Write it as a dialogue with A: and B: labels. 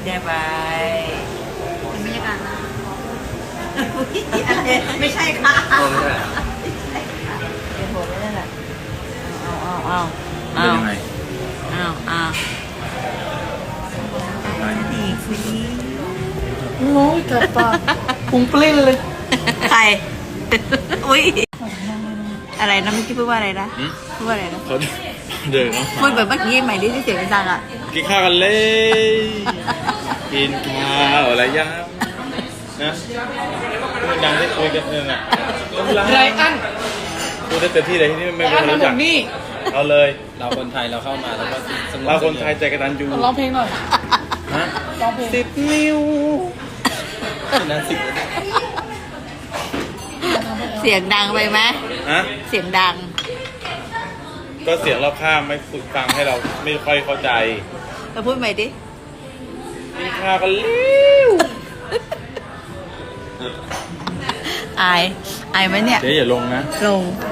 A: ได้ไปบรรยากาศนะไม่ใช่ค่ะ เป็นหัวไม่ได้แหละเอา
B: เป็นยังไง
A: อีกสิ
C: โอ้ยกัดปากพุงปลิ้นเลย
A: ใคร อุ้ย อะไรนะเมื่อกี้พูดว่าอะไรนะ พูดว่าอะไรนะ
B: เขาเดินเข้า
A: พู
B: มา
A: ดแบบเมื่อกี้ใหม่ดิที่เสียงดังอ่ะ
B: กินข้าวกันเลยกินข้าวอะไรยังนะพูดดังที่คุยกันเนี่ยนะ
C: ไรอัน
B: พูดได้เต็มที่เลยที่นี่ไม่
C: ไร
B: เป็
C: อั
B: น
C: น
B: คน
C: มา
B: รู้
C: หม
B: จัก
C: ดนี่
B: เอาเลย
D: เราคนไทยเราเข้ามาแล้วก็สนุก
B: เราคนไทยใจกระตันยู
C: ร้องเพลงหน่อย
B: ฮะ
C: ร้องเพลง
B: 10 นิ้ว
D: นั้นสิบ
A: เสียงดังไปไหม
B: ฮะ
A: เสียงดัง
B: ก็เสียงรอบข้างไม่ฝึกฟังให้เราไม่ค่อยเข้าใจ
A: เราพูดใหม่ดิ
B: กินข้าวกันเร็ว
A: อายไหมเนี่ย
B: เจ๊อย่าลงนะ
A: ลง